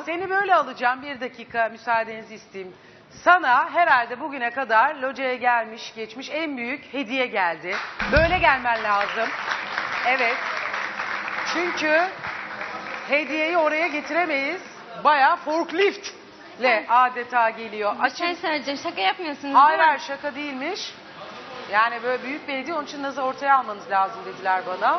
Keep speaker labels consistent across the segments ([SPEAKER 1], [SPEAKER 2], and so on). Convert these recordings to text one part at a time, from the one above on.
[SPEAKER 1] seni böyle alacağım. Bir dakika müsaadenizi isteyeyim. Sana herhalde bugüne kadar locaya gelmiş geçmiş en büyük hediye geldi. Böyle gelmen lazım. Evet. Çünkü hediyeyi oraya getiremeyiz. Bayağı forkliftle adeta geliyor.
[SPEAKER 2] Bir şey söyleyeceğim. Şaka yapmıyorsunuz
[SPEAKER 1] Hayır
[SPEAKER 2] değil mi?
[SPEAKER 1] hayır şaka değilmiş. Yani böyle büyük bir hediye, onun için Naz'ı ortaya almanız lazım dediler bana.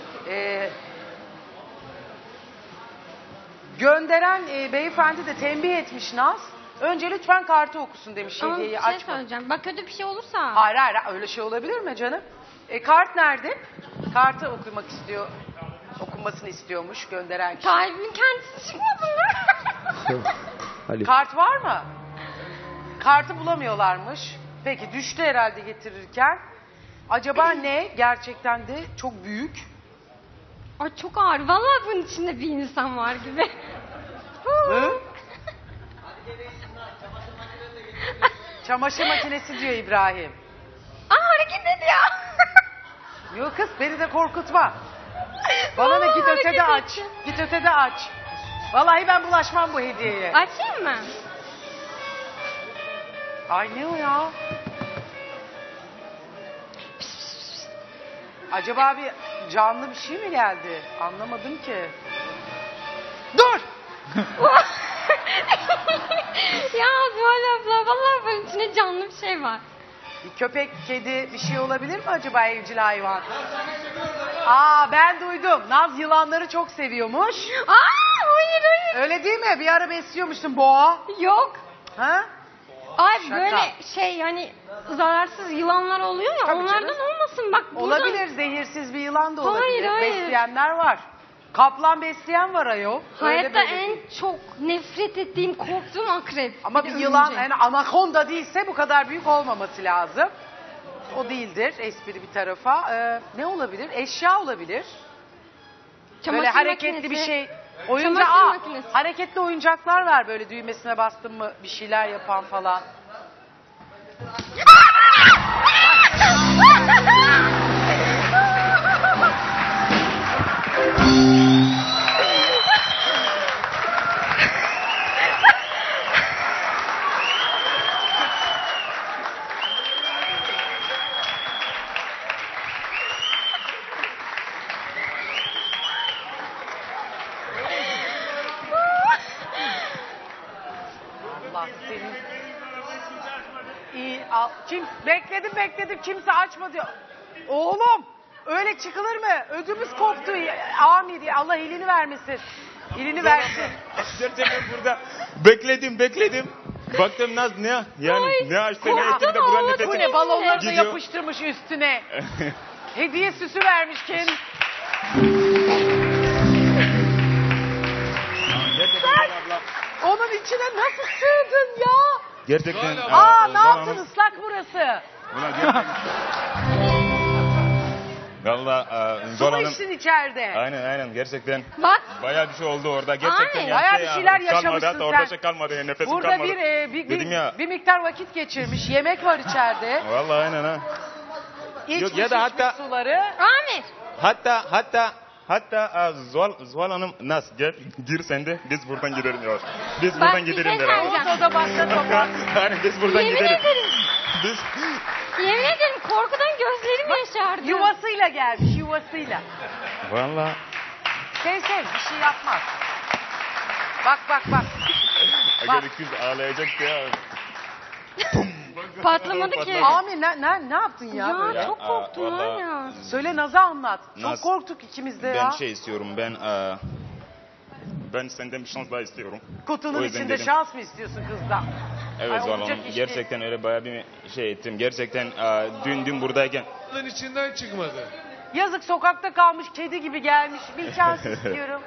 [SPEAKER 1] Gönderen beyefendi de tembih etmiş Naz. Önce lütfen kartı okusun demiş,
[SPEAKER 2] Ama bir
[SPEAKER 1] hediyeyi
[SPEAKER 2] şey
[SPEAKER 1] açma.
[SPEAKER 2] söyleyeceğim. Bak kötü bir şey olursa.
[SPEAKER 1] Hayır hayır öyle şey olabilir mi canım? Kart nerede? Kartı okumak istiyor. Okunmasını istiyormuş gönderen kişi.
[SPEAKER 2] Kalbimin kendisi çıkmadı mı?
[SPEAKER 1] Kart var mı? Kartı bulamıyorlarmış. Peki düştü herhalde getirirken. Acaba ne? Gerçekten de çok büyük.
[SPEAKER 2] Ay çok ağır. Vallahi bunun içinde bir insan var gibi.
[SPEAKER 1] Hı? Çamaşır makinesi diyor İbrahim.
[SPEAKER 2] Aa hareket ediyor.
[SPEAKER 1] Yok kız beni de korkutma. Bana da git
[SPEAKER 2] Vallahi
[SPEAKER 1] ötede
[SPEAKER 2] hareket
[SPEAKER 1] aç.
[SPEAKER 2] etti.
[SPEAKER 1] Git ötede aç. Vallahi ben bulaşmam bu hediyeye.
[SPEAKER 2] Açayım mı?
[SPEAKER 1] Ay ne o ya? Acaba bir canlı bir şey mi geldi? Anlamadım ki. Dur!
[SPEAKER 2] Ya Zuhal abla vallahi bunun içinde canlı bir şey var.
[SPEAKER 1] Bir köpek, kedi bir şey olabilir mi acaba, evcil hayvan? Aa ben duydum. Naz yılanları çok seviyormuş.
[SPEAKER 2] Aa hayır hayır.
[SPEAKER 1] Öyle değil mi? Bir ara besliyormuşsun boğa.
[SPEAKER 2] Yok.
[SPEAKER 1] Ha?
[SPEAKER 2] Ay
[SPEAKER 1] Şaka.
[SPEAKER 2] böyle şey hani zararsız yılanlar oluyor ya,
[SPEAKER 1] Tabii
[SPEAKER 2] onlardan
[SPEAKER 1] canım.
[SPEAKER 2] olmasın bak buradan.
[SPEAKER 1] Olabilir, zehirsiz bir yılan da olabilir.
[SPEAKER 2] Hayır, hayır.
[SPEAKER 1] Besleyenler var. Kaplan besleyen var ayol. Öyle
[SPEAKER 2] Hayatta
[SPEAKER 1] böyle
[SPEAKER 2] en
[SPEAKER 1] değil.
[SPEAKER 2] çok nefret ettiğim, korktuğum akrep.
[SPEAKER 1] Ama bir
[SPEAKER 2] de
[SPEAKER 1] yılan,
[SPEAKER 2] örümcek.
[SPEAKER 1] yani anakonda değilse bu kadar büyük olmaması lazım. O değildir, espri bir tarafa. Ne olabilir? Eşya olabilir.
[SPEAKER 2] Çamaşır
[SPEAKER 1] Böyle hareketli
[SPEAKER 2] makinesi.
[SPEAKER 1] bir şey. Oyuncak,
[SPEAKER 2] Çamaşır makinesi.
[SPEAKER 1] hareketli oyuncaklar var böyle, düğmesine bastın mı bir şeyler yapan falan. Allah senin. İyi al. Bekledim kimse açma diyor. Oğlum öyle çıkılır mı? Ödümüz koptu. Amin diye. Allah elini vermesin. Elini versin.
[SPEAKER 3] Gerçekten burada bekledim. Baktım Naz ne yani
[SPEAKER 2] Ay,
[SPEAKER 3] ne açtı ne
[SPEAKER 2] korktum
[SPEAKER 3] etti de buranın
[SPEAKER 2] ama
[SPEAKER 1] Bu
[SPEAKER 3] nefesi.
[SPEAKER 1] ne, balonları da
[SPEAKER 3] Gidiyor.
[SPEAKER 1] yapıştırmış üstüne. Hediye süsü vermiş kendi.
[SPEAKER 3] Gerçekten abla.
[SPEAKER 1] Onun içine nasıl sığdın ya?
[SPEAKER 3] Gerçekten.
[SPEAKER 1] Aa ne yaptın, ıslak burası.
[SPEAKER 3] Valla
[SPEAKER 1] Su
[SPEAKER 3] Zol
[SPEAKER 1] mu
[SPEAKER 3] Hanım.
[SPEAKER 1] içtin içeride?
[SPEAKER 3] Aynen gerçekten.
[SPEAKER 2] Bak
[SPEAKER 3] Bayağı bir şey oldu orada. Gerçekten
[SPEAKER 2] Aynen.
[SPEAKER 3] yani
[SPEAKER 1] Bayağı bir şeyler
[SPEAKER 3] kalmadı,
[SPEAKER 1] yaşamışsın
[SPEAKER 3] hatta orada
[SPEAKER 1] sen.
[SPEAKER 3] şey kalmadı yani nefesim
[SPEAKER 1] Burada
[SPEAKER 3] kalmadı.
[SPEAKER 1] bir
[SPEAKER 3] Dedim ya.
[SPEAKER 1] miktar vakit geçirmiş. Yemek var içeride.
[SPEAKER 3] Valla aynen ha.
[SPEAKER 1] İçmiş,
[SPEAKER 3] ya da hatta-
[SPEAKER 1] içmiş suları.
[SPEAKER 2] Amir.
[SPEAKER 3] Hatta Zuhal Hanım Naz gel gir sen de biz buradan gidelim ya. Biz
[SPEAKER 2] Bak,
[SPEAKER 3] buradan
[SPEAKER 2] bir
[SPEAKER 3] gidelim
[SPEAKER 2] şey
[SPEAKER 3] beraber.
[SPEAKER 2] söyleyeceğim.
[SPEAKER 1] Ortada başta topa.
[SPEAKER 3] Aynen biz buradan
[SPEAKER 2] Yemin
[SPEAKER 3] gidelim.
[SPEAKER 2] ederim.
[SPEAKER 3] Biz
[SPEAKER 2] Yemin ederim korkudan gözlerim yaşardı.
[SPEAKER 1] Yuvasıyla gelmiş, yuvasıyla.
[SPEAKER 3] valla
[SPEAKER 1] Sev bir şey yapmaz. Bak.
[SPEAKER 3] Aga kız ağlayacaktı ya.
[SPEAKER 2] Patlamadı ki.
[SPEAKER 1] Amin ne yaptın ya,
[SPEAKER 2] Ya
[SPEAKER 1] böyle?
[SPEAKER 2] çok korktum var
[SPEAKER 3] vallahi-
[SPEAKER 2] ya.
[SPEAKER 1] Söyle Naz'a anlat. Çok
[SPEAKER 3] Naz,
[SPEAKER 1] korktuk ikimiz de
[SPEAKER 3] Ben
[SPEAKER 1] ya.
[SPEAKER 3] şey istiyorum ben senden bir şans daha istiyorum.
[SPEAKER 1] Kutunun
[SPEAKER 3] O yüzden
[SPEAKER 1] içinde
[SPEAKER 3] dedim.
[SPEAKER 1] şans mı istiyorsun kızdan?
[SPEAKER 3] Evet
[SPEAKER 1] Ay,
[SPEAKER 3] Zuhal
[SPEAKER 1] olacak
[SPEAKER 3] Hanım
[SPEAKER 1] iş
[SPEAKER 3] gerçekten öyle bayağı bir şey ettim. Gerçekten dün buradayken
[SPEAKER 4] Bunun içinden çıkmadı.
[SPEAKER 1] Yazık, sokakta kalmış kedi gibi gelmiş. Bir şans istiyorum.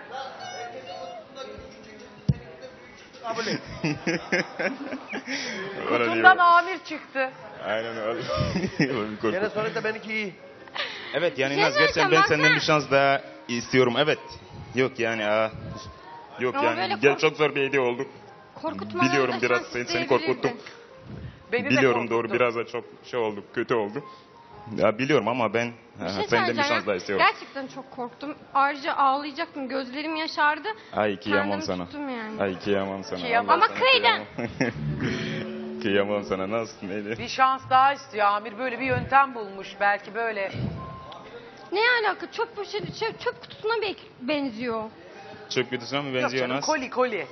[SPEAKER 1] Kutundan amir çıktı.
[SPEAKER 3] Aynen öyle.
[SPEAKER 4] Gene sonunda benimki iyi.
[SPEAKER 3] Evet yani
[SPEAKER 2] Şey
[SPEAKER 3] Naz gerçekten ben
[SPEAKER 2] söyleyeceğim,
[SPEAKER 3] senden
[SPEAKER 2] baksana.
[SPEAKER 3] bir şans daha istiyorum. Evet. Yok yani yok
[SPEAKER 2] Ama
[SPEAKER 3] yani
[SPEAKER 2] böyle
[SPEAKER 3] gel çok zor bir hediye oldu.
[SPEAKER 2] Korkutmadan
[SPEAKER 3] Biliyorum
[SPEAKER 2] da
[SPEAKER 3] biraz
[SPEAKER 2] şans
[SPEAKER 3] seni
[SPEAKER 2] isteyebilirdin.
[SPEAKER 3] korkuttum.
[SPEAKER 1] Beni de
[SPEAKER 3] Biliyorum doğru
[SPEAKER 1] korkuttu.
[SPEAKER 3] biraz da çok şey oldu kötü oldu. Ya biliyorum ama ben
[SPEAKER 2] Bir şey
[SPEAKER 3] senden bir
[SPEAKER 2] söyleyeceğim
[SPEAKER 3] şans daha
[SPEAKER 2] ya.
[SPEAKER 3] istiyorum.
[SPEAKER 2] Gerçekten çok korktum. Ayrıca ağlayacaktım. Gözlerim yaşardı.
[SPEAKER 3] Ay kıyamam
[SPEAKER 2] Kendimi
[SPEAKER 3] sana.
[SPEAKER 2] tuttum yani.
[SPEAKER 3] Ay kıyamam sana.
[SPEAKER 1] Kıyamam.
[SPEAKER 3] Allah
[SPEAKER 2] Ama
[SPEAKER 3] sana
[SPEAKER 2] kıydın.
[SPEAKER 3] kıyamam. Kıyamam sana nasıl neydi?
[SPEAKER 1] Bir şans daha istiyor Amir. Böyle bir yöntem bulmuş. Belki böyle.
[SPEAKER 2] Ne alaka? Çöp poşeti, çöp kutusuna benziyor.
[SPEAKER 3] Çöp kutusuna mı
[SPEAKER 1] Yok
[SPEAKER 3] benziyor
[SPEAKER 1] canım,
[SPEAKER 3] Naz?
[SPEAKER 1] koli.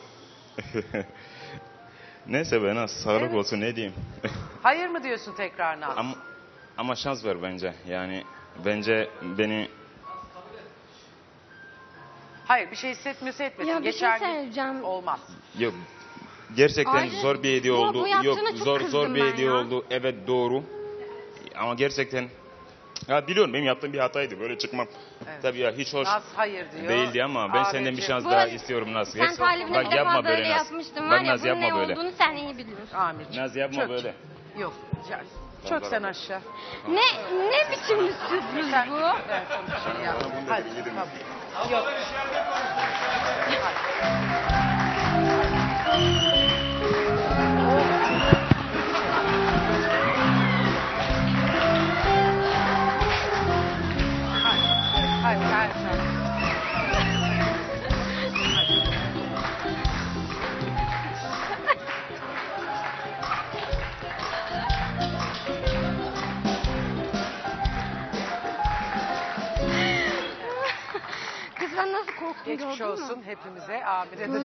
[SPEAKER 3] Neyse be Naz sağlık
[SPEAKER 1] Evet.
[SPEAKER 3] olsun ne diyeyim.
[SPEAKER 1] Hayır mı diyorsun tekrar Naz?
[SPEAKER 3] Ama şans ver bence. Yani bence beni
[SPEAKER 1] Hayır, bir şey hissetmiyorsa etmesin.
[SPEAKER 2] Ya bir şey
[SPEAKER 1] Geçer gün
[SPEAKER 2] söyleyeceğim.
[SPEAKER 1] olmaz.
[SPEAKER 3] yok. Gerçekten
[SPEAKER 2] Ayrıca
[SPEAKER 3] zor bir hediye
[SPEAKER 2] bu
[SPEAKER 3] oldu. Yok
[SPEAKER 2] yaptığına çok
[SPEAKER 3] zor
[SPEAKER 2] kızdım
[SPEAKER 3] bir
[SPEAKER 2] ben
[SPEAKER 3] hediye
[SPEAKER 2] ya.
[SPEAKER 3] oldu. Evet doğru. Ama gerçekten ya biliyorum benim yaptığım bir hataydı. Böyle çıkmam.
[SPEAKER 1] Evet.
[SPEAKER 3] Tabii ya hiç hoş
[SPEAKER 1] Naz hayır diyor.
[SPEAKER 3] değildi ama ben senden bir
[SPEAKER 1] Abicim,
[SPEAKER 3] şans
[SPEAKER 2] Bu
[SPEAKER 3] daha
[SPEAKER 2] arada
[SPEAKER 3] istiyorum Naz.
[SPEAKER 2] Sen talibine
[SPEAKER 3] Bak
[SPEAKER 2] bir defa
[SPEAKER 3] yapma
[SPEAKER 2] böyle
[SPEAKER 3] böyle Naz.
[SPEAKER 2] yapmıştın var
[SPEAKER 3] Bak
[SPEAKER 2] ya
[SPEAKER 3] Naz
[SPEAKER 2] bunun ne
[SPEAKER 3] yapma böyle.
[SPEAKER 2] olduğunu sen iyi biliyorsun.
[SPEAKER 1] Amirciğim.
[SPEAKER 3] Naz yapma
[SPEAKER 1] Çök.
[SPEAKER 3] böyle.
[SPEAKER 1] Yok. Çök sen aşağı.
[SPEAKER 2] Ne biçim bir sürpriz
[SPEAKER 1] Sen-
[SPEAKER 2] bu?
[SPEAKER 1] Evet, konuşalım ya. Hadi tamam. Yok. Hadi, hadi.
[SPEAKER 2] Kız ben nasıl korktum
[SPEAKER 1] Geçmiş
[SPEAKER 2] gördün mü?
[SPEAKER 1] olsun hepimize, Amir'e de